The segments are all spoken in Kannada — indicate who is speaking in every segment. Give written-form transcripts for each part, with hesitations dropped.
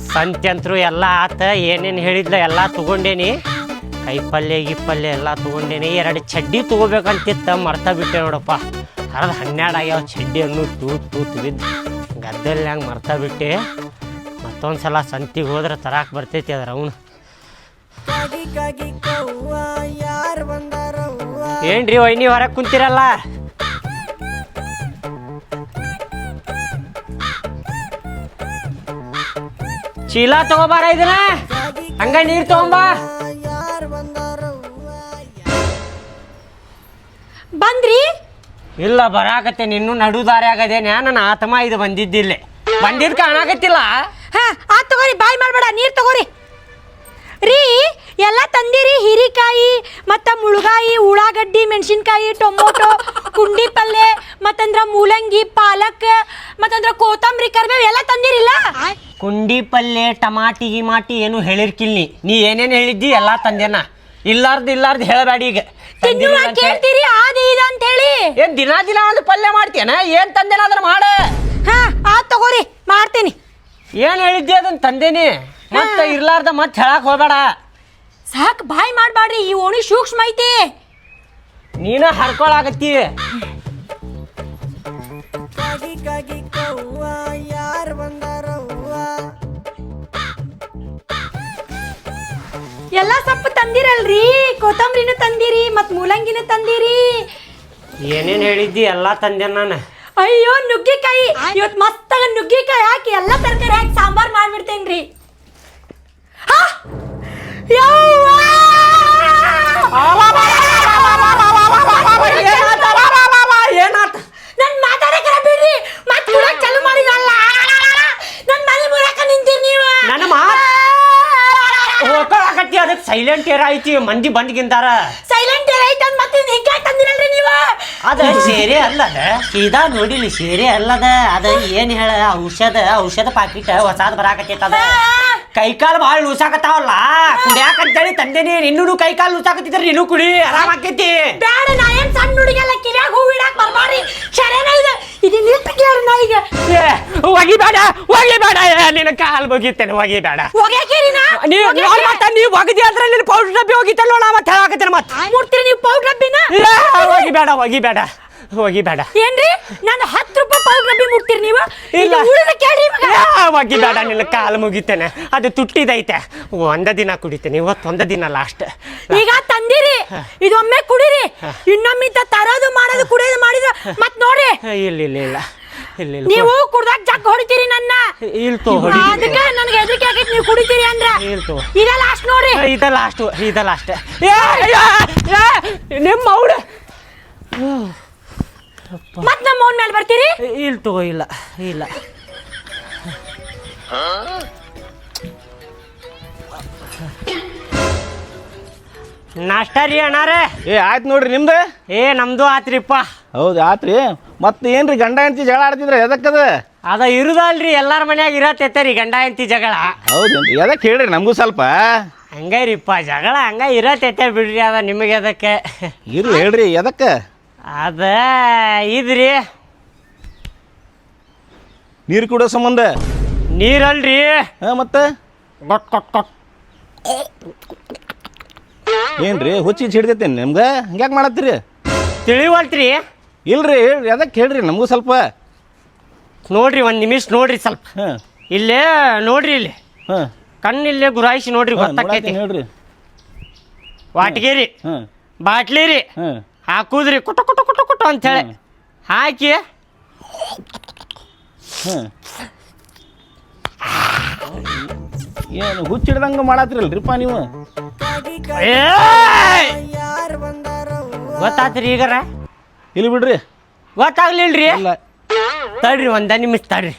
Speaker 1: ಸಂತ್ಯಂತ್ರು ಎಲ್ಲ ಆತ ಏನೇನು ಹೇಳಿದ್ಲ ಎಲ್ಲ ತೊಗೊಂಡೇನಿ. ಕೈಪಲ್ಯ ಗಿಪ್ಪಲ್ಯ ಎಲ್ಲ ತೊಗೊಂಡೇನಿ. 2 ಚಡ್ಡಿ ತೊಗೋಬೇಕಂತಿತ್ತ ಮರ್ತಾ ಬಿಟ್ಟೆ ನೋಡಪ್ಪ. 12 ಆಗ್ಯಾವ ಚಡ್ಡಿಯನ್ನು ತೂತು ಬಿದ್ದು ಗದ್ದೆಲ್ಲಿ ಹಂಗೆ ಮರ್ತಾ ಬಿಟ್ಟೆ. ಮತ್ತೊಂದು ಸಲ ಸಂತಿಗೆ ಹೋದ್ರೆ ತರಾಕ್ ಬರ್ತೈತಿ ಅದ್ರ ಅವನು. ಏನ್ರಿ ವೈನಿ ಹೊರಗೆ ಕುಂತಿರಲ್ಲ? ಚೀಲ ತಗೋಬಾರ ಇದನ್ನ, ಹಂಗ ನೀರು ತಗೊಂಬ.
Speaker 2: ಬಂದ್ರಿ?
Speaker 1: ಇಲ್ಲ ಬರಾಕತ್ತೆ. ನಿನ್ನೂ ನಡುದಾರಿ ಆಗದೇನೆ. ನನ್ನ ಆತ್ಮ ಇದು ಬಂದಿದ್ದಿಲ್ಲ, ಬಂದಿದ್ ಕಾಣಾಕತ್ತಿಲ್ಲ.
Speaker 2: ಹಾ ಆ ತಗೋರಿ, ಬಾಯ್ ಮಾಡಬೇಡ, ನೀರು ತಗೋರಿ. ರೀ ಎಲ್ಲ ತಂದಿರಿ, ಹೀರಿಕಾಯಿ ಮತ್ತು ಮುಳುಗಾಯಿ, ಉಳ್ಳಾಗಡ್ಡಿ, ಮೆಣಸಿನ್ಕಾಯಿ, ಟೊಮೊಟೊ, ಕುಂಡಿ ಪಲ್ಯ, ಮತ್ತಂದ್ರ ಮೂಲಂಗಿ, ಪಾಲಕ್, ಮತ್ತಂದ್ರ ಕೊತ್ತಂಬರಿ, ಕರಿಬೇವು ಎಲ್ಲ ತಂದಿರಿಲ್ಲ?
Speaker 1: ಕುಂಡಿ ಪಲ್ಯ, ಟಮಾಟಿ ಗಿಮಾಟಿ ಏನು ಹೇಳಿರ್ಕಿಲ್ನಿ. ನೀ ಏನೇನು ಹೇಳಿದ್ದಿ ಎಲ್ಲ ತಂದೇನ. ಇಲ್ಲಾರ್ದು ಹೇಳಬೇಡಿ. ಈಗ
Speaker 2: ಕೇಳ್ತೀರಿ ಆದಿ ಇದು ಅಂತ ಹೇಳಿ.
Speaker 1: ಏನ್ ದಿನ ಒಂದು ಪಲ್ಯ ಮಾಡ್ತೀಯನ? ಏನ್ ತಂದೇನ ಅದನ್ನ ಮಾಡ.
Speaker 2: ಹಾ ಆ ತಗೋರಿ, ಮಾಡ್ತೀನಿ.
Speaker 1: ಏನ್ ಹೇಳಿದ್ದಿ ಅದನ್ನ ತಂದೇನಿ. ಮತ್ತೆ ಇರ್ಲಾರ್ದ ಮತ್ತೆ ಹೇಳಕ್ ಹೋಗ್ಬೇಡ.
Speaker 2: ಸಾಕ್, ಬಾಯ್ ಮಾಡ್ಬಾಡ್ರಿ, ಈ ಓಣಿ ಸೂಕ್ಷ್ಮ ಐತಿ.
Speaker 1: ನೀನ ಹರ್ಕೊಳಾಗತ್ತಿ.
Speaker 2: ಎಲ್ಲ ಸೊಪ್ಪು ತಂದಿರಲ್ರಿ, ಕೊತ್ತಂಬರಿನೂ ತಂದಿರಿ, ಮತ್ ಮೂಲಂಗಿನೂ ತಂದಿರಿ.
Speaker 1: ಏನೇನ್ ಹೇಳಿದ್ದಿ ಎಲ್ಲ ತಂದೆ ನಾನು.
Speaker 2: ಅಯ್ಯೋ ನುಗ್ಗಿಕಾಯಿ, ಇವತ್ ಮಸ್ತಾಗ ನುಗ್ಗಿಕಾಯಿ ಹಾಕಿ ಎಲ್ಲ ತರಕಾರಿ ಹಾಕಿ ಸಾಂಬಾರ್ ಮಾಡ್ಬಿಡ್ತೇನ್ರಿ.
Speaker 1: ಏನಾತ?
Speaker 2: ನನ್ ಮಾತಾಡಕರ ಬಿಡ್ರಿ, ಮತ್ ಕುಡಕ್ ಚಾಲು ಮಾಡಿರಲ್ಲ. ನನ್ ಮನೆ ಮುರಕ ನಿಂತೀರಿ ನೀವು.
Speaker 1: ನನ್ನ ಮಾತು ಹೋಗಕತ್ತಿ. ಅದಕ್ಕೆ ಸೈಲೆಂಟ್ ಏರ್ ಐತಿ, ಮಂದಿ ಬಂದ್ಗಿಂತಾರ.
Speaker 2: ಸೈಲೆಂಟ್ ಏರ್ ಐತಿ ಅಂತ ಮತ್ತೆ ಹಿಂಗ ತಂದಿರಲ್ರಿ ನೀವು.
Speaker 1: ಅದ ಸೇರೆ ಅಲ್ಲದ, ಸೀದಾ ನೋಡಿಲಿ ಸೇರೆ ಅಲ್ಲದ. ಅದ ಏನ್ ಹೇಳ, ಔಷಧ ಪಾಕಿಟ್ ಹೊಸಾದ್ ಬರಾಕತ್ತೈತ. ಅದ ಕೈಕಾಲು ಭಾಳ ಲೂಸಾಕತ್ತಾವಲ್ಲ, ಕುಡಿಯಾಕಂತೇಳಿ ತಂದೇನಿ. ನಿನ್ನೂ ಕೈಕಾಲು ಲೂಸಾಕತ್ತಿದ್ರ ನೀನು ಕುಡಿ, ಆರಾಮ್ ಆಕೈತಿ.
Speaker 2: ಬ್ಯಾಡ, ನಾ ಏನ್ ಸಣ್ಣ ಹುಡುಗಿಯಲ್ಲ, ಕಿವ್ಯಾಗ ಹೂ ಇಡಾಕ್ ಬರ್ಬಾರ್ರಿ. ಶರೇನ ಇದೆ ಇದು ನಿಲ್ಪಿಕ್ಲಾರ ನಾ ಈಗ.
Speaker 1: ಒಗಿಬೇಡ ನಿನ್ನ ಕಾಲು ಬಗೀತೇನೆ, ಒಗಿಬೇಡ.
Speaker 2: ಒಗ್ಯಾಕೇರಿ ನಾ?
Speaker 1: ನೀವು ಒಗದಿ ಅಂದ್ರೆ ನಿನ್ನ ಪೌಡರ್ ಡಬ್ಬಿ ಹೋಗಿತ್ತಲ್ಲ, ನಾ ಮತ್ತೆ ಹೇಳಾಕತ್ತೇನೆ. ಮತ್ತೆ
Speaker 2: ಮುಡ್ತೀರಿ ನೀವು ಪೌಡರ್ ಡಬ್ಬಿನ?
Speaker 1: ಒಗಿಬೇಡ.
Speaker 2: ಏನ್ರಿ ನಾನು 10 ರೂಪಾಯಿ ಪೌಡರ್ ಡಬ್ಬಿ ಮುಡ್ತೀರಿ ನೀವು?
Speaker 1: ಇಲ್ಲ
Speaker 2: ಉಳಿದ ಕೇಳಿ
Speaker 1: ಒಗಿಬೇಡ, ನಿನ್ನ ಕಾಲು ಮುಗಿತೇನೆ. ಅದು ತುಟ್ಟಿದೈತೆ, ಒಂದ ದಿನ ಕುಡಿತೇನೆ. ಇವತ್ತೊಂದ ದಿನ ಲಾಸ್ಟ್.
Speaker 2: ಈಗ ತಂದಿರಿ, ಇದೊಮ್ಮೆ ಕುಡಿರಿ. ಇನ್ನೊಮ್ಮೆ ತರೋದು ಮಾಡೋದು ಕುಡಿಯೋದು ಮಾಡಿದ್ರೆ ಮತ್ ನೋಡಿ.
Speaker 1: ಇಲ್ಲ
Speaker 2: ನೀವು ಕುಡ್ದಾಗ ಜಗ್ ಹೊಡಿತೀರಿ ನನ್ನ. ಅದಕ್ಕೆ ನನಗೆ ಹೆದರಿಕೆ ಆಗೈತಿ ನೀವು ಕುಡಿತೀರಿ ಅಂದ್ರ. ಇದ ಲಾಸ್ಟ್ ನೋಡ್ರಿ.
Speaker 1: ಇದ ಲಾಸ್ಟ್. ನಿಮ್ಮ ಅವ್ಡ
Speaker 2: ಮತ್ ನಮ್ಮ ಅವನ ಮೇಲೆ ಬರ್ತೀರಿ?
Speaker 1: ಇಲ್ಲ ನಾಷ್ಟ ರೀ ಅಣ್ಣಾರೇ.
Speaker 3: ಆಯ್ತು ನೋಡ್ರಿ, ನಿಮ್ದು?
Speaker 1: ನಮ್ದು ಆತ್ರಿಪ್ಪ.
Speaker 3: ಹೌದು ಆತ್ರಿ. ಮತ್ತೆ ಏನ್ರಿ ಗಂಡ ಹೆಂಡತಿ ಜಗಳ ಆಡ್ತಿದ್ರ? ಎದಕ್ಕದ?
Speaker 1: ಅದ ಇರುದಲ್ರಿ, ಎಲ್ಲಾರ ಮನ್ಯಾಗ ಇರತ್ತೈತರಿ ಗಂಡ ಹೆಂಡತಿ ಜಗಳ.
Speaker 3: ಹೌದೇನ್ರಿ? ಎದಕ್ಕೆ ಹೇಳ್ರಿ ನಮಗೂ ಸ್ವಲ್ಪ.
Speaker 1: ಹಂಗರಿಪ್ಪ, ಜಗಳ ಹಂಗ ಇರತ್ತೈತೆ ಬಿಡ್ರಿ. ಅದ ನಿಮಗೆ ಅದಕ್ಕೆ
Speaker 3: ಇರ್ಲಿ ಹೇಳ್ರಿ, ಎದಕ್ಕ?
Speaker 1: ಅದ ಇದ್ರಿ,
Speaker 3: ನೀರು ಕುಡೋ ಸಂಬಂಧ.
Speaker 1: ನೀರಲ್ರಿ.
Speaker 3: ಮತ್ತೆ ಏನ್ರಿ ಹುಚ್ಚಿ ಹಿಡ್ದೈತೇನೆ ನಿಮ್ಗೆ? ಹಂಗ್ಯಾಕೆ ಮಾಡತ್ತೀರಿ?
Speaker 1: ತಿಳಿವಲ್ತ್ರಿ?
Speaker 3: ಇಲ್ರಿ ಎದಕ್ಕೆ ಹೇಳ್ರಿ ನಮಗೂ ಸ್ವಲ್ಪ.
Speaker 1: ನೋಡ್ರಿ, 1 ನಿಮಿಷ ನೋಡ್ರಿ ಸ್ವಲ್ಪ. ಇಲ್ಲೇ ನೋಡ್ರಿ, ಇಲ್ಲಿ ಕಣ್ಣಿಲ್ಲೇ ಗುರಾಯಿಸಿ ನೋಡ್ರಿ, ಗೊತ್ತಾಕೈತಿ.
Speaker 3: ನೋಡ್ರಿ,
Speaker 1: ವಾಟ್ಗೇರಿ ಬಾಟ್ಲಿ ರೀ ಹಾಕುದ್ರಿ, ಕುಟು ಅಂತೇಳಿ ಹಾಕಿ
Speaker 3: ಏನು ಹುಚ್ಚಿಡ್ದಂಗ ಮಾಡತ್ರಿಲ್ರಿಪ್ಪ ನೀವು?
Speaker 1: ಗೊತ್ತಾತ್ರಿ ಈಗಾರ?
Speaker 3: ಇಲ್ಲಿ ಬಿಡ್ರಿ,
Speaker 1: ಗೊತ್ತಾಗ್ಲಿಲ್ರಿ. ತಡ್ರಿ, 1 ನಿಮಿಷ ತಡ್ರಿ.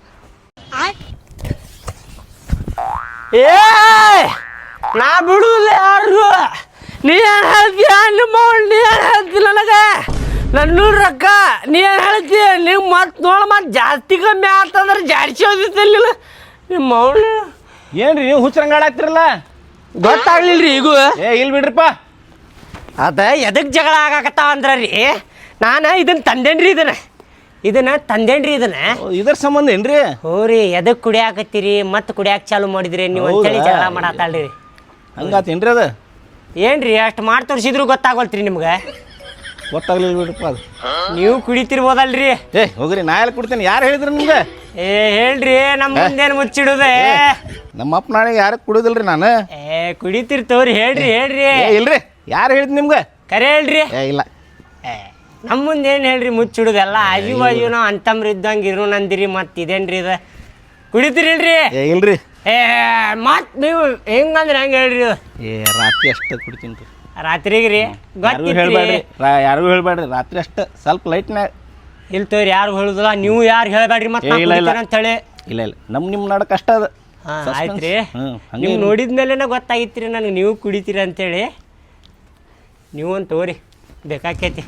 Speaker 1: ನಾ ಬಿಡುದಿಲ್ಲ ಯಾರು. ನೀ ಏನು ಹೇಳ್ತೀಯ? ನಿಮ್ಮ ನೀ ಏನು ಹೇಳ್ತಿ ನನಗೆ? ನನ್ನ ರೊಕ್ಕ ನೀ ಏನು ಹೇಳ್ತೀಯ? ನೀವು ಮತ್ತೆ ಜಾಸ್ತಿ ಕಮ್ಮಿ ಆಗ್ತಂದ್ರೆ ಜಾಡ್ಸಿ ಹೋದಿತ್ತಲ್ಲ ನಿಮ್ಮ ಅವಳು.
Speaker 3: ಏನ್ರಿ ನೀವು ಹುಚ್ಚರಂಗಾಡಾಕ್ತಿರಲ್ಲ?
Speaker 1: ಗೊತ್ತಾಗ್ಲಿಲ್ರಿ ಈಗೂ?
Speaker 3: ಇಲ್ಲಿ ಬಿಡ್ರಿಪ್ಪ.
Speaker 1: ಅದ ಎದಕ್ಕೆ ಜಗಳ ಆಗಾಕತ್ತಾವ ಅಂದ್ರೆ ರೀ, ನಾನು ಇದನ್ನ ತಂದೇನ್ರಿ. ಇದನ್ನ ತಂದೇನ್ರಿ ಇದನ್ನ
Speaker 3: ಇದ್ರ ಸಂಬಂಧ ಏನ್ರಿ?
Speaker 1: ಹೋರಿ ಎದಕ್ ಕುಡಿಯಾಕತ್ತೀರಿ ಮತ್ತೆ ಕುಡಿಯಾಕ ಚಾಲು ಮಾಡಿದ್ರಿ ನೀವು ಅಂತೇಳಿ
Speaker 3: ಹೌದಾ?
Speaker 1: ಜಗಳ ಮಾಡಾತಾಳ್ರಿ.
Speaker 3: ಹಂಗಾತೇನ್ರಿ ಅದು?
Speaker 1: ಏನ್ರಿ ಅಷ್ಟು ಮಾಡಿ ತೋರಿಸಿದ್ರು ಗೊತ್ತಾಗೋಲ್ತ್ರಿ ನಿಮ್ಗೆ?
Speaker 3: ಗೊತ್ತಾಗ್ಲಿಲ್ಲ ಬಿಡ್ರಪ್ಪ ಅದು.
Speaker 1: ನೀವು ಕುಡಿತಿರ್ಬೋದಲ್ರಿ.
Speaker 3: ಏ ಹೋಗ್ರಿ, ನಾ ಎಲ್ಲ ಕುಡ್ತೇನೆ. ಯಾರು ಹೇಳಿದ್ರಿ ನಿಮ್ಗೆ?
Speaker 1: ಏ ಹೇಳ್ರಿ, ನಮ್ಮ ಮುಂದೇನು ಮುಚ್ಚಿಡುದೆ?
Speaker 3: ನಮ್ಮ ಅಪ್ಪ ನಾಳೆಗೆ ಯಾರು ಕುಡಿಯೋದಿಲ್ರಿ ನಾನು.
Speaker 1: ಕುಡಿತಿರ್ತವ್ರಿ, ಹೇಳ್ರಿ ಹೇಳ್ರಿ.
Speaker 3: ಇಲ್ರಿ, ಯಾರು ಹೇಳಿದ್ ನಿಮ್ಗೆ?
Speaker 1: ಕರೆ ಹೇಳ್ರಿ.
Speaker 3: ಇಲ್ಲ,
Speaker 1: ನಮ್ಮ ಮುಂದೆ ಏನು ಹೇಳ್ರಿ ಮುಚ್ಚಿಡುದೆಲ್ಲ ಆಜು ಬಾಜು ನಾವು ಅಂತಮ್ರ ಇದ್ದಂಗೆ ಇರು ನಂದಿರಿ. ಮತ್ತೆ ಇದೇನ್ರಿ ಇದು ಕುಡಿತೀರಿಲ್ರಿ?
Speaker 3: ಇಲ್ರಿ.
Speaker 1: ಮತ್ತೆ ನೀವು ಹೆಂಗಂದ್ರೆ ಹೆಂಗೆ ಹೇಳ್ರಿ?
Speaker 3: ರಾತ್ರಿ ಅಷ್ಟೇ ಕುಡಿತೀನಿ ರೀ.
Speaker 1: ರಾತ್ರಿಗೆ ರೀ?
Speaker 3: ಹೇಳ್ಬೇಡ್ರಿ, ಯಾರಿಗೂ ಹೇಳ್ಬೇಡ್ರಿ. ರಾತ್ರಿ ಅಷ್ಟೇ ಸ್ವಲ್ಪ ಲೈಟ್ನಾಗ.
Speaker 1: ಇಲ್ಲ ತೋರಿ, ಯಾರು ಹೇಳುದಿಲ್ಲ. ನೀವು ಯಾರು ಹೇಳ್ಬೇಡ್ರಿ ಮತ್ತೆ ಅಂತೇಳಿ.
Speaker 3: ಇಲ್ಲ ನಿಮ್ಮ ನಡಕ್ ಅಷ್ಟ ಅದು.
Speaker 1: ಆಯ್ತು ರೀ. ನೀವು ನೋಡಿದ್ಮೇಲೆ ಗೊತ್ತಾಗಿತ್ರಿ ನನಗೆ ನೀವು ಕುಡಿತೀರಿ ಅಂತೇಳಿ. ನೀವು ಒಂದು ತೋರಿ ಬೇಕಾಕೈತಿ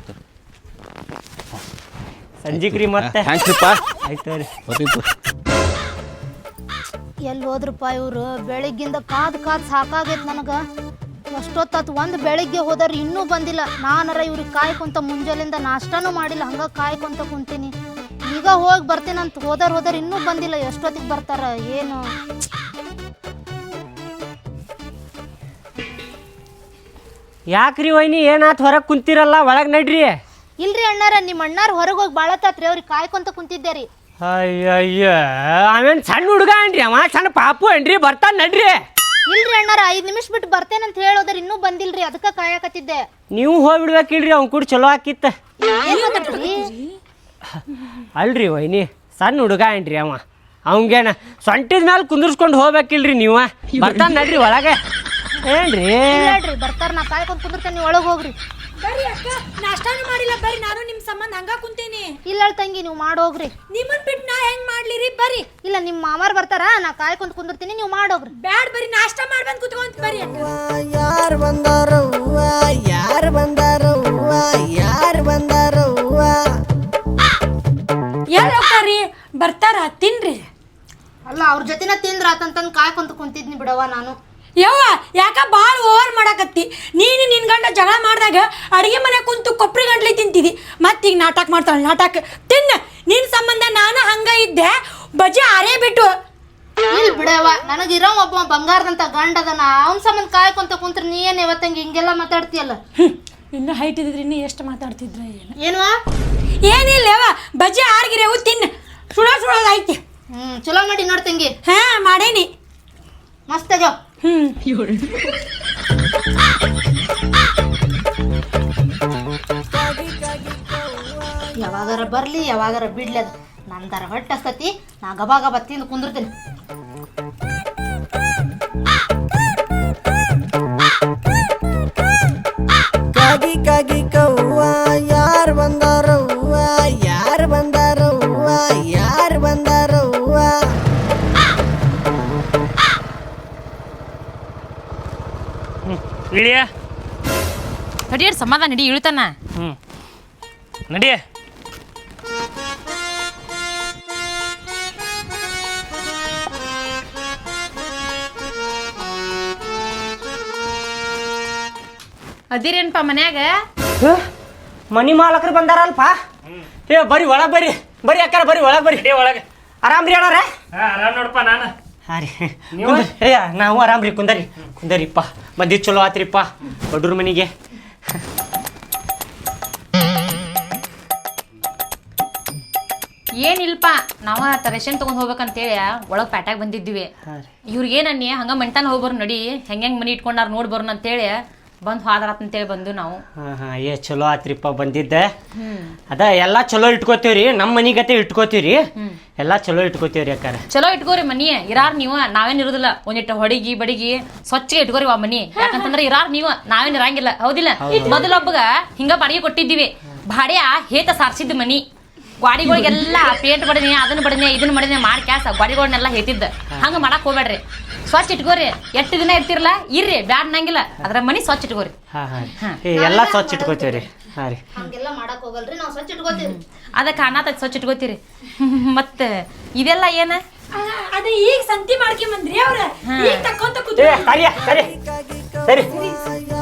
Speaker 1: ಸಂಜಿಕ್ರಿ ಮತ್ತೆ. ಆಯ್ತು ರೀ.
Speaker 4: ಎಲ್ಲಿ ಹೋದ್ರಪ್ಪ ಇವರು? ಬೆಳಿಗ್ಗಿಂದ ಕಾದು ಸಾಕಾಗೈತೆ ನನಗೆ. ಎಷ್ಟೊತ್ತಾತು, ಒಂದು ಬೆಳಿಗ್ಗೆ ಹೋದ್ರೆ ಇನ್ನೂ ಬಂದಿಲ್ಲ. ನಾನರ ಇವ್ರಿಗೆ ಕಾಯ್ಕೊಂತ ಮುಂಜಾನೆಯಿಂದ ನಾಷ್ಟಾನೂ ಮಾಡಿಲ್ಲ, ಹಂಗೆ ಕಾಯ್ಕೊಂತ ಕುಂತೀನಿ. ಈಗ ಹೋಗಿ ಬರ್ತೀನಂತ ಹೋದರ್ ಇನ್ನೂ ಬಂದಿಲ್ಲ. ಎಷ್ಟೊತ್ತಿಗೆ ಬರ್ತಾರ ಏನು?
Speaker 1: ಯಾಕ್ರಿ ವೈನಿ ಏನಾತ್ ಹೊರಗೆ ಕುಂತಿರಲ್ಲ? ಒಳಗೆ ನಡ್ರಿ.
Speaker 4: ಇಲ್ರಿ ಅಣ್ಣಾರ, ನಿಮ್ಮ ಅಣ್ಣಾರು ಹೊರಗೆ ಹೋಗಿ ಬಾಳತ್ತಾತ್ರಿ, ಅವ್ರಿಗೆ ಕಾಯ್ಕೊಂತ ಕುಂತಿದ್ದೆ ರೀ.
Speaker 1: ಅಯ್ಯಯ್ಯ, ಅವೇನು ಸಣ್ಣ ಹುಡುಗ ಏನ್ರಿ? ಅವ ಸಣ್ಣ ಪಾಪು ಏನ್ರಿ? ಬರ್ತಾನೆ ನಡ್ರಿ.
Speaker 4: ಇಲ್ರಿ ಅಣ್ಣಾರ, 5 ನಿಮಿಷ ಬಿಟ್ಟು ಬರ್ತೇನಂತ ಹೇಳೋದ್ರ ಇನ್ನೂ ಬಂದಿಲ್ರಿ, ಅದಕ್ಕೆ ಕಾಯಕತ್ತಿದ್ದೆ.
Speaker 1: ನೀವು ಹೋಗ್ಬಿಡ್ಬೇಕಿಲ್ರಿ, ಅವ್ನು ಕೂಡ ಚಲೋ ಆಕಿತ್ತ. ಅಲ್ರಿ ವೈನಿ, ಸಣ್ಣ ಹುಡುಗ ಏನ್ರಿ ಅವ? ಅವಂಗೇನ ಸೊಂಟಿದ ಮೇಲೆ ಕುಂದಿರ್ಸ್ಕೊಂಡು ಹೋಗ್ಬೇಕಿಲ್ರಿ ನೀವು? ಬರ್ತಾನೆ ನಡ್ರಿ ಒಳಗೆ. ಏನ್ರಿ
Speaker 4: ಹೇಳ್ರಿ, ಬರ್ತಾರ, ನಾ ಕಾಯ್ಕೊಂಡ್ ಕುಂದಿರ್ತೇನೆ, ನೀವು ಒಳಗೆ ಹೋಗ್ರಿ.
Speaker 2: ಬರ್ರಿ ಅಕ್ಕ, ನಾಷ್ಟಾನು ಮಾಡಿಲ್ಲ, ಬರ್ರಿ. ನಾನು ನಿಮ್ಮ ಸಂಬಂಧ ಹಂಗ ಕುಂತೀನಿ.
Speaker 4: ಇಲ್ಲ ತಂಗಿ, ನೀವು ಮಾಡೋಗ್ರಿ.
Speaker 2: ನಿಮ್ಮನ್ ಬಿಟ್ಟು ನಾ ಹೆಂಗ್ ಮಾಡ್ಲಿರಿ? ಬರ್ರಿ.
Speaker 4: ಇಲ್ಲ, ನಿಮ್ಮ ಮಾಮಾರ್ ಬರ್ತಾರ, ನಾ ಕಾಯ್ಕೊಂತ ಕುಂದಿರ್ತೀನಿ, ನೀವು ಮಾಡೋಗ್ರಿ.
Speaker 2: ಬ್ಯಾಡ್, ಬರ್ರಿ, ನಾಷ್ಟಾ ಮಾಡ್ಬಂದ್ ಕುತ್ಕೊಂತ ಬರ್ರಿ ಅಕ್ಕ.
Speaker 5: ಯಾರು ಬಂದಾರೋ ಯಾರು ಬಂದಾರೋ ಯಾರು ಬಂದಾರೋ?
Speaker 2: ಯಾರು ಹೋಗ್ತಾರ್ರಿ? ಬರ್ತಾರ, ತಿನ್ರಿ.
Speaker 4: ಅಲ್ಲ, ಅವ್ರ ಜೊತೆನ ತಿಂದ್ರ ಆತಂತಂದು ಕಾಯ್ಕೊಂತ ಕುಂತಿದ್ನಿ ಬಿಡವ ನಾನು.
Speaker 2: ಯವ್ವ, ಯಾಕ ಭಾಳ ಓವರ್ ಮಾಡಾಕತ್ತಿ? ನೀನು ನಿನ್ ಗಂಡ ಜಗಳ ಮಾಡಿದಾಗ ಅಡಿಗೆ ಮನೆ ಕುಂತು ಕೊಪ್ಪರಿ ಗಂಟ್ಲಿ ತಿಂತಿದಿ, ಮತ್ತೀಗ ನಾಟಕ ಮಾಡ್ತಾಳೆ. ನಾಟಕ ತಿನ್ನ. ನಿನ್ ಸಂಬಂಧ ನಾನು ಹಂಗ ಇದ್ದೆ, ಬಜೆ ಆರೇ ಬಿಟ್ಟು.
Speaker 4: ಇಲ್ಲ ಬಿಡವ, ನನಗಿರೋ ಒಬ್ಬ ಬಂಗಾರದಂತ ಗಂಡ ಅದನ, ಅವನ ಸಂಬಂಧ ಕಾಯ್ಕೊಂತ ಕುಂತ್ರ ನೀ ಏನ್ ಇವತ್ತಂಗೆ ಹಿಂಗೆಲ್ಲ ಮಾತಾಡ್ತೀಯಲ್ಲ?
Speaker 2: ಇನ್ನು ಹೈಟ್ ಇದ್ರಿ ಇನ್ನೂ ಎಷ್ಟು ಮಾತಾಡ್ತಿದ್ರ?
Speaker 4: ಏನ್ವಾ?
Speaker 2: ಏನಿಲ್ಲ ಯವ್ವ, ಬಜೆ ಆರ್ಗಿರೇವು ತಿನ್ನ. ಸುಡೋದೈತಿ.
Speaker 4: ಚಲೋ ಮಾಡಿ ನೋಡ್ತಂಗಿ.
Speaker 2: ಹಾ, ಮಾಡೇನಿ.
Speaker 4: ಮಸ್ತ್ ಆಗ್ಯಾವ. ಯಾವಾಗಾರ ಬರ್ಲಿ, ಯಾವಾಗಾರ ಬಿಡ್ಲಿ, ಅದು ನಂದರ ಹೊಟ್ಟೆ ಹಸ್ತತಿ. ನಾ ಗಬಾ ಗಬಾ ತಿಂದು ಕುಂದಿರ್ತೀನಿ.
Speaker 5: ಕಾಗಿ ಕಾಗಿ ಕವ್ವ ಯಾರು ಬಂದಾರೋ ಯಾರು ಬಂದಾರೋ ಯಾರು ಬಂದಾರೋ?
Speaker 1: ಇಳಿಯ
Speaker 6: ತಡಿಯರ್ ಸಮಾಧಾನ ನಡಿ, ಇಳ್ತಾನ.
Speaker 1: ನಡಿಯ.
Speaker 6: ಅದಿರೇನ್ಪ ಮನ್ಯಾಗ?
Speaker 1: ಮನಿ ಮಾಲಕರು ಬಂದಾರಲ್ಪ. ಏ ಬರ್ರಿ ಒಳಗೆ ಬರ್ರಿ. ಬರ್ರಿ ಅಕ್ಕಾರ, ಬರ್ರಿ ಒಳಗೆ ಬರ್ರಿ. ಒಳಗೆ ಆರಾಮ್ರಿ ಅಣ್ಣಾರ?
Speaker 7: ಆರಾಮ್ ನೋಡಪ್ಪ ನಾನು.
Speaker 1: ಹಾಂ ರೀ. ಏ ನಾವು ಆರಾಮ್ರಿ. ಕುಂದರಿಪ್ಪ. ಮದ್ದಿ ಚಲೋ ಆತ್ರಿಪ್ಪ ಬಡ್ರ ಮನಿಗೆ.
Speaker 6: ಏನಿಲ್ಪ, ನಾವ ರೇಷನ್ ತಗೊಂಡ್ ಹೋಗ್ಬೇಕಂತೇಳಿ ಒಳಗ್ ಪ್ಯಾಟ್ಯಾಗ ಬಂದಿದ್ವಿ. ಇವ್ರಿಗೇನನ್ನಿ ಹಂಗ ಮಂಟಾನ ಹೋಗ್ಬರ್ ನಡಿ, ಹೆಂಗ್ ಮನಿ ಇಟ್ಕೊಂಡಾರ ನೋಡ್ ಬರೋಣ ಅಂತೇಳಿ ಬಂದು ಹಾದ್ರಾತಂತೇಳಿ ಬಂದು ನಾವು.
Speaker 1: ಏ ಚಲೋ ಆತ್ರಿಪ್ಪ ಬಂದಿದ್ದೆ. ಅದ ಎಲ್ಲಾ ಚಲೋ ಇಟ್ಕೋತೀವ್ರಿ, ನಮ್ಮ ಮನಿಗತೆ ಇಟ್ಕೋತೀವ್ರಿ. ಎಲ್ಲಾ ಚಲೋ ಇಟ್ಕೋತೀವ್ರಿ ಅಕ್ಕಾರ.
Speaker 6: ಚಲೋ ಇಟ್ಕೋರಿ ಮನಿ. ಇರಾರ್ ನೀವು, ನಾವೇನ್ ಇರುದಿಲ್ಲ. ಒಂದಿಟ್ಟು ಹೊಡಿಗಿ ಬಡಿಗಿ ಸ್ವಚ್ಛಗೆ ಇಟ್ಕೋರಿ ಆ ಮನಿ. ಯಾಕಂತಂದ್ರೆ ಇರಾರ್ ನೀವು, ನಾವೇನ್ ಇರಂಗಿಲ್ಲ. ಹೌದಿಲ್ಲ? ಮೊದಲೊಬ್ಬಗ ಹಿಂಗ ಬಾಡಿಗೆ ಕೊಟ್ಟಿದ್ದೀವಿ. ಬಾಡ್ಯ ಹೇತ ಸಾರ್ಸಿದ್ ಮನಿ. ಗಾಡಿಗಳಿಗೆಲ್ಲ ಪೇಂಟ್ ಬಡನೆ, ಅದನ್ನ ಬಡನೆ, ಇದನ್ನ ಬಡನೆ ಮಾಡಿ ಕ್ಯಾಸ ಗಾಡಿಗಳನ್ನೆಲ್ಲ ಹೇತಿದ್ದ. ಹಂಗ ಮಾಡಕ್ ಹೋಗ್ಬೇಡ್ರಿ, ಸ್ವಚ್ಛ ಇಟ್ಕೋರಿ. ಎಷ್ಟು ದಿನ ಇರ್ತಿರಲ್ಲ ಇರ್ರಿ, ಬ್ಯಾಡ್ ನಂಗಿಲ್ಲ. ಅದ್ರ ಮನಿ ಸ್ವಚ್ಛ ಇಟ್ಕೋರಿ.
Speaker 1: ಎಲ್ಲಾ ಸ್ವಚ್ಛ ಇಟ್ಕೋತೀವ್ರಿ.
Speaker 4: ಹಂಗೆಲ್ಲ ಮಾಡಕ್ ಹೋಗಲ್ರಿ, ನಾವು ಸ್ವಚ್ಛ ಇಟ್ಕೋತೀವಿ.
Speaker 6: ಅದಕ್ಕೆ ಅನಾಥ ಸ್ವಚ್ಛ ಇಟ್ಕೋತೀರಿ. ಮತ್ತ ಇದೆಲ್ಲ ಏನ?
Speaker 2: ಅದ ಈಗ ಸಂತಿ ಮಾಡ್ಕೊಂಬಂದ್ರಿ ಅವ್ರ. ಈಗ ತಕ್ಕೊಂತ
Speaker 1: ಸರಿ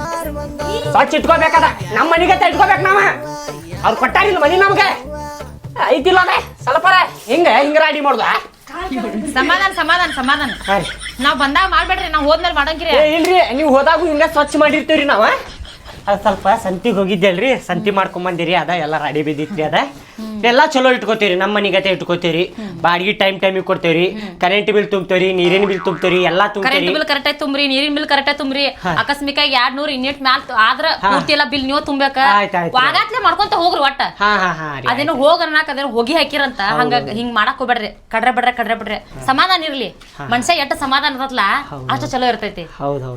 Speaker 1: ಸ್ವಚ್ಛ ಇಟ್ಕೋಬೇಕಾದ ನಮ್ಮ ಮನಿಗತೆ ಇಟ್ಕೋಬೇಕು. ನಾವ ಅವ್ರು ಕೊಟ್ಟಾರಿಲ್ಲ ಮನಿ ನಮ್ಗೆ. ಐತಿಲ್ಲ ಅದೇ ಸ್ವಲ್ಪ ಹಿಂಗ ರಾಡಿ ಮಾಡ್ದ
Speaker 6: ಸಮಾಧಾನ ಸಮಾಧಾನ ಸಮಾಧಾನ ನಾವ್ ಬಂದಾಗ ಮಾಡ್ಬೇಡ್ರಿ ನಾವ್ ಹೋದ್ಮೇಲೆ ಮಾಡಂಗಿರಿ
Speaker 1: ಇಲ್ರಿ ನೀವು ಹೋದಾಗೂ ಹಿಂಗ ಸ್ವಚ್ಛ ಮಾಡಿರ್ತೀವ್ರಿ ನಾವ ಅದು ಸ್ವಲ್ಪ ಸಂತಿಗೆ ಹೋಗಿದ್ದೆಲ್ರಿ ಸಂತಿ ಮಾಡ್ಕೊಂಬಂದಿರಿ ಅದ ಎಲ್ಲ ರಾಡಿ ಬಿದ್ದಿತ್ರಿ ಅದ ಎಲ್ಲ ಚಲೋ ಇಟ್ಕೋತೀರಿ ನಮ್ಮ ಮನಿಗತೆ ಇಟ್ಕೋತೀರಿ ಬಾಡಿಗೆ ಟೈಮಿಗೆ ಕೊಡ್ತೇವ್ರಿ ಕರೆಂಟ್ ಬಿಲ್ ತುಂಬ್ತೇವ್ರಿ ನೀರಿನ ಬಿಲ್ ತುಂಬ್ತೇವ್ರಿ ಎಲ್ಲಾ ತುಂಬ್ತೇವ್ರಿ
Speaker 6: ಕರೆಂಟ್ ಬಿಲ್ ಕರೆಕ್ಟ್ ತುಂಬ್ರಿ ನೀರಿನ ಬಿಲ್ ಕರೆಕ್ಟ್ ತುಂಬ್ರಿ ಅಕಸ್ಮಿಕ 200 ಯೂನಿಟ್ ಮ್ಯಾಲ ಆದ್ರ ಪೂರ್ತಿ ಎಲ್ಲ ಬಿಲ್ ನೀವು ತುಂಬೇಕ ವಾಗಾತ್ಲೆ ಮಾಡ್ಕೊಂತ ಹೋಗ್ರಿ ಒಟ್ಟ ಅದೇನೋ ಹೋಗರ್ನಾಕ ಅದೇನೋ ಹೋಗಿ ಹಾಕಿರಂತ ಹಂಗ ಹಿಂಗ್ ಮಾಡಕ್ ಹೋಗ್ಬೇಡ್ರಿ ಕಡ್ರೆ ಬಿಡ್ರಿ ಸಮಾಧಾನ ಇರ್ಲಿ ಮನ್ಸ ಎಷ್ಟ ಸಮಾಧಾನ ಇರತ್ತಲ್ಲ ಅಷ್ಟ ಚಲೋ ಇರ್ತೈತಿ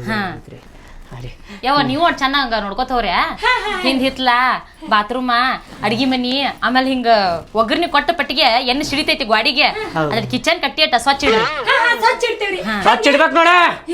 Speaker 6: ಯಾವ ನೀವು ಅಷ್ಟ್ ಚೆನ್ನಾಗ ನೋಡ್ಕೋತವ್ರ ಹಿಂದ್ ಹಿತ್ಲಾ ಬಾತ್ರೂಮ ಅಡ್ಗಿ ಮನಿ ಆಮೇಲೆ ಹಿಂಗ ಒಗ್ಗರ್ನಿ ಕೊಟ್ಟ ಪಟ್ಟಿಗೆ ಎಣ್ಣೆ ಸಿಡಿತೈತಿ ಗಾಡಿಗೆ ಅದ್ರ ಕಿಚನ್ ಕಟ್ಟಿ ಅಟ್ಟ ಸ್ವಚ್ಛ ಇಡ್ರಿ
Speaker 1: ಸ್ವಚ್ಛ ಇಡ್ಬೇಕು ನೋಡ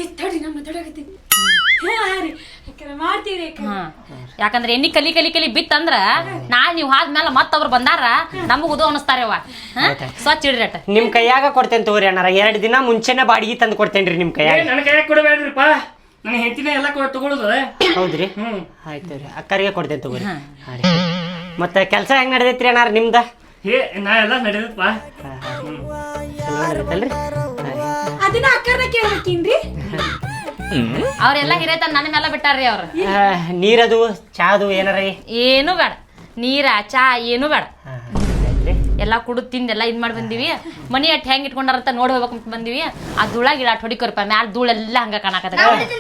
Speaker 6: ಯಾಕಂದ್ರೆ ಎಣ್ಣಿ ಕಲಿ ಬಿತ್ತಂದ್ರ ನಾಳೆ ನೀವ್ ಆದ್ಮೇಲೆ ಮತ್ತವ್ರು ಬಂದಾರ ನಮಗ್ ಉದೋ ಅನಸ್ತಾರವ ಸ್ವಚ್ಛ ಇಡ್ರಿ ಅಟ್ಟ
Speaker 1: ನಿಮ್ ಕೈಯಾಗ ಕೊಡ್ತೇನೆ ತಗೋರಿ ಅಣ್ಣಾರ 2 ದಿನ ಮುಂಚೆನೆ ಬಾಡಿಗೆ ತಂದು ಕೊಡ್ತೇನ್ರಿ ನಿಮ್ ಕೈಯಾಗ
Speaker 7: ನನ್ನ ಕೈಯಾಗ ಕೊಡಬೇಡ್ರಿಪ್ಪ ನನ್ನ ಹೆಂಡತಿನ ಎಲ್ಲ ತಗೊಳುದು
Speaker 1: ಹೌದ್ರಿ ಆಯ್ತು ರೀ ಅಕ್ಕರಿಗೆ ಕೊಡ್ತೇನೆ ತಗೋರಿ ಮತ್ತೆ ಕೆಲಸ ಹೆಂಗ್ ನಡೆದೈತ್ರಿ ಅಣ್ಣಾರ ನಿಮ್ದ
Speaker 7: ನಾ ಎಲ್ಲ ನಡೆದಪ್ಪ
Speaker 1: ಚಲೋ ನಡೆದೈತಲ್ರಿ
Speaker 2: ಅದನ್ನ ಅಕ್ಕರ್ನ ಕೇಳ್ಬೇಕೇನ್ರಿ
Speaker 6: ಅವ್ರೆಲ್ಲ ಹಿರೇತ ನನ್ನ ಮೇಲೆ ಬಿಟ್ಟಾರ್ರಿ ಅವ್ರು
Speaker 1: ನೀರದು ಚಾದು ಏನಾರ
Speaker 6: ಏನು ಬೇಡ ನೀರ ಚಾ ಏನು ಬೇಡ ಎಲ್ಲಾ ಕುಡಿದ್ ತಿಂದೆಲ್ಲ ಇದ್ ಮಾಡಿ ಬಂದಿವಿ ಮನಿ ಅಟ್ ಹೆಂಗ್ ಇಟ್ಕೊಂಡಾರಂತ ನೋಡಿ ಹೋಗ್ಬೇಕಂತ ಬಂದಿವಿ ಆ ಧೂಳ ಗಿಡ ಹೊಡಿಕೊರಪ್ಪ ಮ್ಯಾಲ ಧೂಳೆಲ್ಲ ಹಂಗ ಕಾಣಕತ್ತ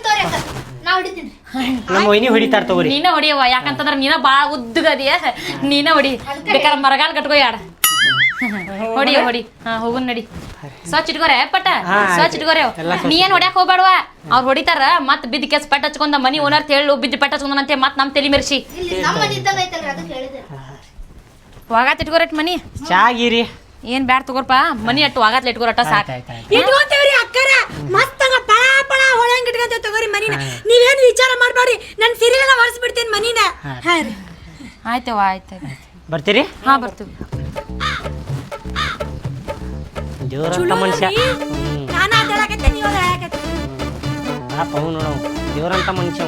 Speaker 1: ನಮ್ಮ ವೈನಿ ಹೊಡಿತಾರ ತಗೋರಿ
Speaker 6: ನೀನ ಹೊಡಿಯವ ಯಾಕಂತಂದ್ರ ನೀನ ಬಾಳ ಉದ್ದಗದಿಯ ನೀನ ಹೊಡಿ ಬೇಕಾದ್ರೆ ಮರಗಾಲ್ ಕಟ್ಕೋ ಯಾಡ ಹೊಡಿ ಹೋಗುನ್ ನಡಿ ಸ್ವಚ್ಛ ಇಟ್ಕೋರೆ ಪಟ್ಟ ಸ್ವಚ್ಛ ಇಟ್ಕೋರೆ ನೀ ಏನ್ ಹೊಡ್ಯಾಕ್ ಹೋಗ್ಬೇಡವ ಅವ್ರು ಹೊಡಿತಾರ ಮತ್ ಬಿದ್ದ ಕೆಸ್ ಪಟ್ಟ ಹಚ್ಕೊಂಡ ಮನಿ ಓನರ್ ಹೇಳು ಬಿದ್ದ ಪಟ್ಟ ಹಚ್ಕೊಂಡಂತೆ ಮತ್ ನಮ್ ತಲಿ ಮೆರ್ಸಿ ವಾಗಾತ್ ಇಟ್ಕೋರಟ್ ಮನಿ
Speaker 1: ಚಾಗಿರಿ
Speaker 6: ಏನ್ ಬ್ಯಾಡ್ ತಗೋರ್ಪ ಮನಿ ಅಟ್ಟು ವಾಗಾತ್ಲೆ ಇಟ್ಕೋರಟ ಸಾಕ
Speaker 2: ಇಟ್ಕೊಂತೇವ್ರಿ ಅಕ್ಕರ ಮಸ್ತಂಗ ಪಳ ಪಳ ಹೊಳಂಗ್ ಇಟ್ಕೊಂತೇವ್ ತಗೋರಿ ಮನಿನ ನೀವೇನ್ ವಿಚಾರ ಮಾಡ್ಬೇಡ್ರಿ ನನ್ ಸಿರಿಲೆಲ್ಲ ಹೊರಸ್ಬಿಡ್ತೇನೆ ಮನಿನ
Speaker 6: ಆಯ್ತವ ಆಯ್ತು
Speaker 1: ಬರ್ತೀರಿ
Speaker 6: ಹಾ ಬರ್ತೀವಿ
Speaker 1: ದೇವ್ರಂತ ಮನುಷ್ಯ
Speaker 2: ನಾನಾ ಹೇಳಕತ್ತೆ ನೀವು ಹೇಳಕತ್ತೆ
Speaker 1: ಪಾಪ ಅವ್ ನೋಡವ್ ದೇವ್ರಂತ ಮನುಷ್ಯ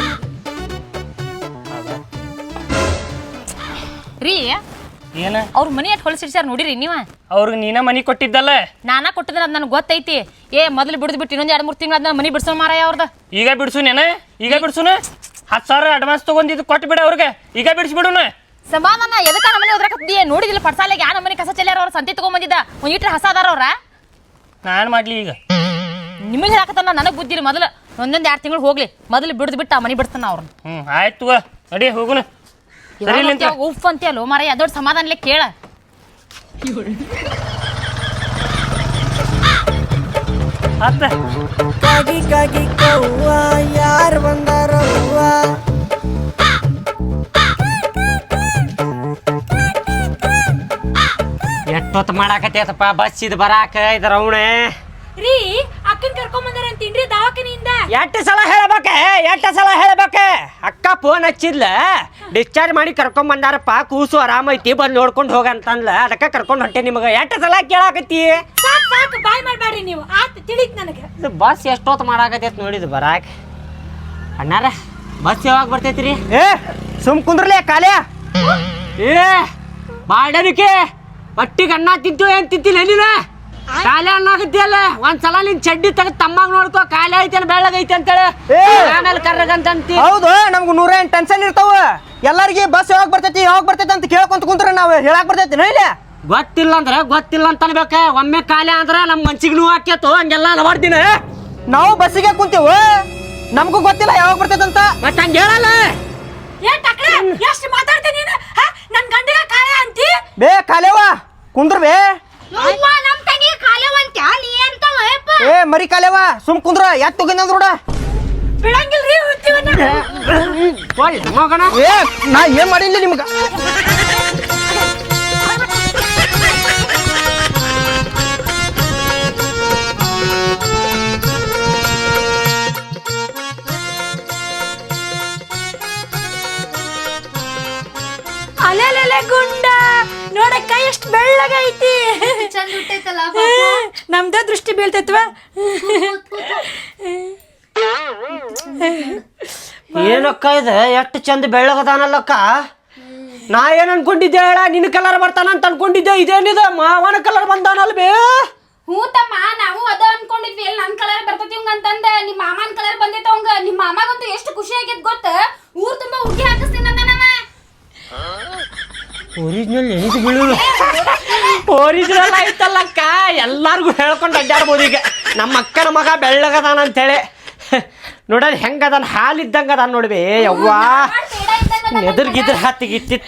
Speaker 6: ರೀ
Speaker 7: ಏನ
Speaker 6: ಅವ್ರ ಮನಿ ಅಟ್ ಹೊಲಸಿಡ್ಸ್ಯಾರ ನೋಡಿರಿ ನೀವ
Speaker 7: ಅವ್ರಿಗೆ ನೀನ ಮನಿ ಕೊಟ್ಟಿದ್ದಲ್ಲ
Speaker 6: ನಾನಾ ಕೊಟ್ಟಿದ್ರ ಅದ್ ನನಗೆ ಗೊತ್ತೈತಿ ಮೊದಲು ಬಿಟ್ಟು ಇನ್ನೊಂದ್ 2-3 ತಿಂಗಳ ಅದ್ ಮನಿ ಬಿಡ್ಸೋ ಮಾರಾಯ ಅವ್ರದ
Speaker 7: ಈಗ ಬಿಡ್ಸುನೇನ ಈಗ ಬಿಡ್ಸುನ 10,000 ಅಡ್ವಾನ್ಸ್ ತಗೊಂಡಿದ್ದು ಕೊಟ್ಟು ಬಿಡ ಅವ್ರಿಗೆ ಈಗ ಬಿಡಿಸ್ಬಿಡುನ
Speaker 6: ಸಮಾಧಾನ ಎದಕ್ಕ ನಮ್ಮನೆ ಹೋದ್ರಕತ್ತಿ ನೋಡಿದಿಲ್ಲ ಪಡ್ಸಾಲೆಗೆ ಆ ನಮ್ಮನೆ ಕಸ ಚೆಲ್ಲಾರ ಅವ್ರ ಸಂತಿ ತಗೊಂಬಂದಿದ್ದ ಒಂದ್ ಇಟ್ರೆ ಹಸ ಅದಾರ ಅವ್ರ
Speaker 7: ನಾನ್ ಮಾಡ್ಲಿ ಈಗ
Speaker 6: ನಿಮಗೆ ಹೇಳಕತ್ತಾನ ನನಗ್ ಬುದ್ಧಿರಿ ಮೊದಲು 1-2 ತಿಂಗಳು ಹೋಗ್ಲಿ ಮೊದಲು ಬಿಟ್ಟು ಆ ಮನಿ ಬಿಡ್ತಾನ ಅವ್ರನ್ನ
Speaker 7: ಆಯ್ತು ನಡಿ ಹೋಗುನ
Speaker 6: ಉಫ್ ಅಂತ ಅಲ್ಲೋ ಮಾರಾಯ ದೊಡ್ಡ ಸಮಾಧಾನಲೆ ಕೇಳ
Speaker 5: ಕಾಗಿ ಕಾಗಿ ಕವ್ವ ಯಾರು ಬಂದಾರವ್ವ
Speaker 1: ಎಷ್ಟೊತ್ತು ಮಾಡಾಕತ್ತೈತಪ್ಪ ಬಸ್ ಇದು ಬರಾಕ ಇದ್ರ ಅವಣೆ
Speaker 2: ರೀ ಅಕ್ಕನ್ ಕರ್ಕೊಂಡ್ ಬಂದಾರ ಅಂತೀನ್ರಿ ದವಾಖಾನಿಯಿಂದ
Speaker 1: ಎಷ್ಟು ಸಲ ಹೇಳ್ಬೇಕ ಅಕ್ಕ ಫೋನ್ ಹಚ್ಚಿದ್ಲ ಡಿಸ್ಚಾರ್ಜ್ ಮಾಡಿ ಕರ್ಕೊಂಡ್ ಬಂದಾರಪ್ಪ ಕೂಸು ಆರಾಮೈತಿ ಬಂದು ನೋಡ್ಕೊಂಡು ಹೋಗಂತಂದ್ಲ ಅದಕ್ಕೆ ಕರ್ಕೊಂಡು ಹೊಂಟೆ ನಿಮಗೆ ಎಷ್ಟು ಸಲ ಕೇಳಾಕತ್ತಿ
Speaker 2: ಸಾಕು ಬಾಯ್ ಮಾಡ್ಬೇಡ್ರಿ ನೀವು ಆತ್ ತಿಳಿತ್ ನನಗೆ
Speaker 1: ಇದು ಬಸ್ ಎಷ್ಟೊತ್ತು ಮಾಡಾಕತ್ತೈತಿ ನೋಡಿದ್ ಬರಾಕ ಅಣ್ಣಾರ ಬಸ್ ಯಾವಾಗ ಬರ್ತೈತ್ರಿ ಸುಮ್ ಕುಂದ್ರಲೇ ಕಾಲೇ ಬಾಡನಿಕೆ ಒಟ್ಟಿಗೆ ಅನ್ನ ತಿಂತು ಏನ್ ತಿಂತಿಲ್ಲ ನೀನ ಕಾಲೇ ಅನ್ನಾಗತ್ತಿಯಲ್ಲ ಒಂದ್ಸಲ ನಿನ್ ಚಡ್ಡಿ ತೆಗೆದು ತಮ್ಮಾಗ ನೋಡ್ಕೋ ಕಾಲೇ ಐತೆ ಬೆಳ್ಳಗೈತೆ ಅಂತೇಳಿ ಆಮೇಲೆ ಕರ್ರಗಂತಿ
Speaker 3: ಹೌದು ನಮ್ಗೆ 108 ಟೆನ್ಷನ್ ಇರ್ತಾವ ಎಲ್ಲರಿಗೆ ಬಸ್ ಯಾವಾಗ ಬರ್ತೈತಿ ಅಂತ ಕೇಳ್ಕೊಂತ ಕುಂತ್ರ ನಾವು ಹೇಳಕ್ ಬರ್ತೈತಿ ಇಲ್ಲ
Speaker 1: ಗೊತ್ತಿಲ್ಲ ಅಂತ ಅನ್ಬೇಕ ಒಮ್ಮೆ ಕಾಲೇ ಅಂದ್ರ ನಮ್ ಮನ್ಸಿಗೆ ನೋವು ಹಾಕ್ಯತು ಹಂಗೆಲ್ಲ ಹಲವಾರ್ದಿನ
Speaker 3: ನಾವು ಬಸ್ಸಿಗೆ ಕುಂತೀವಿ ನಮಗೂ ಗೊತ್ತಿಲ್ಲ ಯಾವಾಗ ಬರ್ತೈತೆ ಅಂತ
Speaker 1: ಮತ್ತೆ ಹಂಗ ಹೇಳಲ್ಲ
Speaker 2: ಎಷ್ಟು ಮಾತಾಡ್ತೀನಿ ನೀನು ನನ್ ಗಂಡಗ ಕಾಯ ಅಂತಿ
Speaker 3: ಬೇ ಕಾಲೇವ ಕುಂದ್ರ ಬೇ
Speaker 4: ನಮ್ ತಂಗಿ ಕಾಲೇವಂತ ನೀ ಅಂತ
Speaker 3: ಮರಿ ಕಾಲೇವ ಸುಮ್ ಕುಂದ್ರ ಯಾತ್ ತಗೊಂಡ್ ನೋಡ
Speaker 2: ಬಿಡಂಗಿಲ್ರಿ
Speaker 1: ಮಗನ
Speaker 3: ನಾ ಏನ್ ಮಾಡಿಲ್ಲ ನಿಮ್ಗ
Speaker 2: ಅಲೆಲೆಲೆ ಗುಂಡ ನೋಡಕ್ಕ ಎಷ್ಟು ಬೆಳ್ಳಗೈತಿ
Speaker 4: ಚಂದ ಹುಟ್ಟೈತಲ್ಲ
Speaker 2: ನಮ್ದ ದೃಷ್ಟಿ ಬೀಳ್ತೈತ್ವ
Speaker 1: ಏನಕ್ಕ ಇದೆ ಎಷ್ಟು ಚಂದ ಬೆಳ್ಳಗದಾನಲ್ಲಕ್ಕ ನಾ ಏನ್ ಅನ್ಕೊಂಡಿದ್ದೆ ಹೇಳ ನಿನ್ನ ಕಲರ್ ಬರ್ತಾನ ಅಂತ ಅನ್ಕೊಂಡಿದ್ದೆ. ಇದೇನಿದೆ ಮಾವನ ಕಲರ್ ಬಂದಾನಲ್ಬೇ?
Speaker 2: ಹ್ಞೂ ತಮ್ಮ, ನಾವು ಅದ ಅನ್ಕೊಂಡಿದ್ವಿ. ಎಲ್ಲಿ ನನ್ ಕಲರ್ ಬರ್ತೈತಿ ಹಂಗ ಅಂತಂದ ನಿಮ್ಮ ಮಾಮನ್ ಕಲರ್ ಬಂದೈತ ಅವಂಗ. ನಿಮ್ಮ ಮಾಮಾಗಂತೂ ಎಷ್ಟು ಖುಷಿ ಆಗೈತ್ ಗೊತ್ತ. ಊರ್ ತುಂಬಾ ಹುಗ್ಗಿ ಹಾಕಿಸ್ತೀನಂತ ನಾವ.
Speaker 1: ಒರಿಜಿನಲ್ ಎಣಿದು ಬೀಳುದು ಒರಿಜಿನಲ್ ಆಯ್ತಲ್ಲಕ್ಕ. ಎಲ್ಲಾರ್ಗು ಹೇಳ್ಕೊಂಡು ಅಡ್ಡಾಡ್ಬೋದು ಈಗ. ನಮ್ಮ ಅಕ್ಕನ ಮಗ ಬೆಳ್ಳಗದಾನ ಅಂತೇಳಿ ನೋಡಲ್ ಹೆಂಗದಾನ, ಹಾಲಿದ್ದಂಗ ಅದಾನ ನೋಡ್ಬೇ. ಯವ್ವಾ ಎದುರ್ಗಿದ್ರ ಹತ್ತಿಗಿತ್ತಿತ್ತ.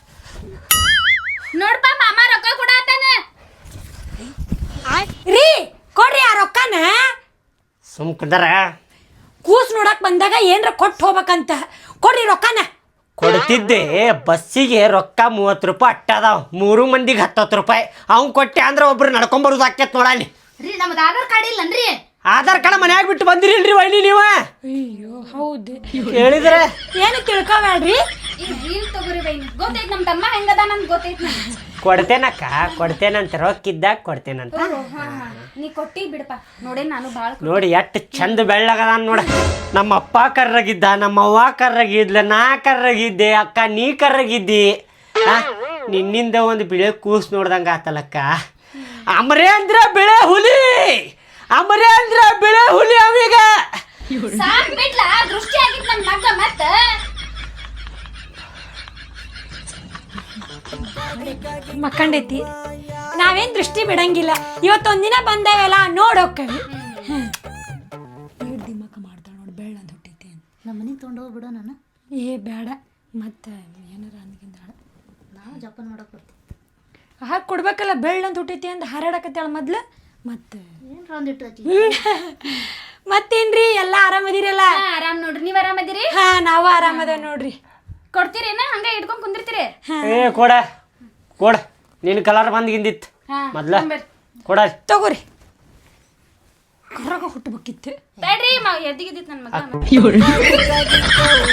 Speaker 2: ನೋಡ್ಪಾ ಮಾಮ ರೊಕ್ಕ ಕೊಡಾತಾನ. ರೀ ಕೊಡ್ರಿ ಆ ರೊಕ್ಕನ.
Speaker 1: ಸುಮ್ಕದರ
Speaker 2: ಕೂಸ್ ನೋಡಕ್ ಬಂದಾಗ ಏನ್ರ ಕೊಟ್ಟು ಹೋಗ್ಬೇಕಂತ. ಕೊಡ್ರಿ ರೊಕ್ಕನ.
Speaker 1: ಕೊಡ್ತಿದ್ದೆ. ಬಸ್ಸಿಗೆ ರೊಕ್ಕ 30 ರೂಪಾಯಿ ಅಟ್ಟ ಅದಾವ. 3 ಮಂದಿಗೆ 10 ರೂಪಾಯಿ. ಅವ್ನು ಕೊಟ್ಟೆ ಅಂದ್ರೆ ಒಬ್ರು ನಡ್ಕೊಂಬರೋದು ಆಕೇತ್ ನೋಡಲ್ಲಿ.
Speaker 4: ರೀ ನಮ್ದು ಆಧಾರ್ ಕಾರ್ಡ್ ಇಲ್ಲನ್ರಿ?
Speaker 1: ಆಧಾರ್ ಕಾರ್ಡ್ ಮನ್ಯಾಗ ಬಿಟ್ಟು ಬಂದಿರಿಲ್ರಿ ವೈನಿ ನೀವ?
Speaker 2: ಅಯ್ಯೋ ಹೌದು.
Speaker 1: ಹೇಳಿದ್ರೆ
Speaker 2: ಏನು ತಿಳ್ಕೊಬೇಡ್ರಿ.
Speaker 4: ಇಲ್ಲಿ ತಗೋರಿ ಬೈನಿ. ಗೊತ್ತೈತ್ ನಮ್ಮ ತಮ್ಮ ಹೆಂಗದ ನಮ್ಗೆ ಗೊತ್ತೈತ್.
Speaker 1: ಕೊಡ್ತೇನಕ್ಕ, ಕೊಡ್ತೇನಂತ. ರೊಕ್ಕಿದ್ದಾಗ ಕೊಡ್ತೇನಂತ.
Speaker 2: ನೀ ಕೊಟ್ಟಿ ಬಿಡಪ್ಪ. ನೋಡೇ ನಾನು ಭಾಳ
Speaker 1: ನೋಡಿ ಎಷ್ಟು ಚಂದ ಬೆಳ್ಳಗದಾನ ನೋಡ. ನಮ್ಮ ಅಪ್ಪ ಕರ್ರಗಿದ್ದ, ನಮ್ಮ ಅವ್ವ ಕರ್ರಗಿದ್ಲ, ನಾ ಕರ್ರಗಿದ್ದೆ, ಅಕ್ಕ ನೀ ಕರ್ರಗಿದ್ದಿ. ನಿನ್ನಿಂದ ಒಂದು ಬಿಳೆ ಕೂಸ್ ನೋಡ್ದಂಗ ಆತಲಕ್ಕ. ಅಮರೇಂದ್ರ ಬಿಳೆ ಹುಲಿ, ಅಮರೇಂದ್ರ ಬಿಳೆ ಹುಲಿ ಅವೀಗ.
Speaker 2: ಸಾಕ್ ಬಿಡ್ಲ. ದೃಷ್ಟಿ ಆಗಿತ್ತು ನನ್ನ ಮಗ. ಮತ್ತ ಮಕ್ಕಂಡೈತಿ. ನಾವೇನ್ ದೃಷ್ಟಿ ಬಿಡಂಗಿಲ್ಲ. ಇವತ್ತೊಂದಿನ ಬಂದಾವೆಲ್ಲ ನೋಡೋಕ್ಕವಿ. ದಿಮಾಕ ಮಾಡ್ತಾಳ ನೋಡಿ. ಬೆಳ್ಳ ಅಂತ ಹುಟ್ಟೈತಿ.
Speaker 4: ನಮ್ಮ ಮನೆಗೆ ತೊಗೊಂಡೋಗ್ಬಿಡೋ ನಾನು.
Speaker 2: ಏ ಬೇಡ. ಮತ್ತೆ ಏನಾರ ಅಂದ್ಕಿಂದಾಳ.
Speaker 4: ನಾವು ಜಪಾನ್ ಮಾಡಕ್ ಬರ್ತೀವಿ.
Speaker 2: ಹಾಗೆ ಕೊಡ್ಬೇಕಲ್ಲ. ಬೆಳ್ಳ ಅಂತ ಹುಟ್ಟೈತಿ ಅಂತ ಹಾರಾಡಕತ್ತಾಳ ಮೊದ್ಲು. ಮತ್ತೆ
Speaker 4: ಏನ್ರ ಒಂದಿಟ್ಟು ಹಚ್ಚಿ.
Speaker 2: ಮತ್ತೇನ್ರಿ ಎಲ್ಲ ಆರಾಮದಿರಲ್ಲ?
Speaker 4: ಆರಾಮ್ ನೋಡ್ರಿ. ನೀವ್ ಆರಾಮದಿರಿ?
Speaker 2: ಹಾ ನಾವು ಆರಾಮದ ನೋಡ್ರಿ.
Speaker 4: ಕೊಡ್ತೀರೇನ ಹಂಗ ಇಟ್ಕೊಂಡ್ ಕುಂದಿರ್ತೀರಿ?
Speaker 1: ಏ ಕೊಡ ಕೊಡ. ನಿನ್ನ ಕಲರ್ ಬಂದ್ಗಿಂದಿತ್ತು ಮೊದ್ಲ. ಕೊಡ
Speaker 2: ತಗೋರಿ. ಕರ್ರಾಗ ಹುಟ್ಟಬೇಕಿತ್ತು.
Speaker 4: ಬೇಡ್ರಿ ಎದ್ದಿಗಿದ್ದಿತ್ತು ನನ್ನ ಮಗ.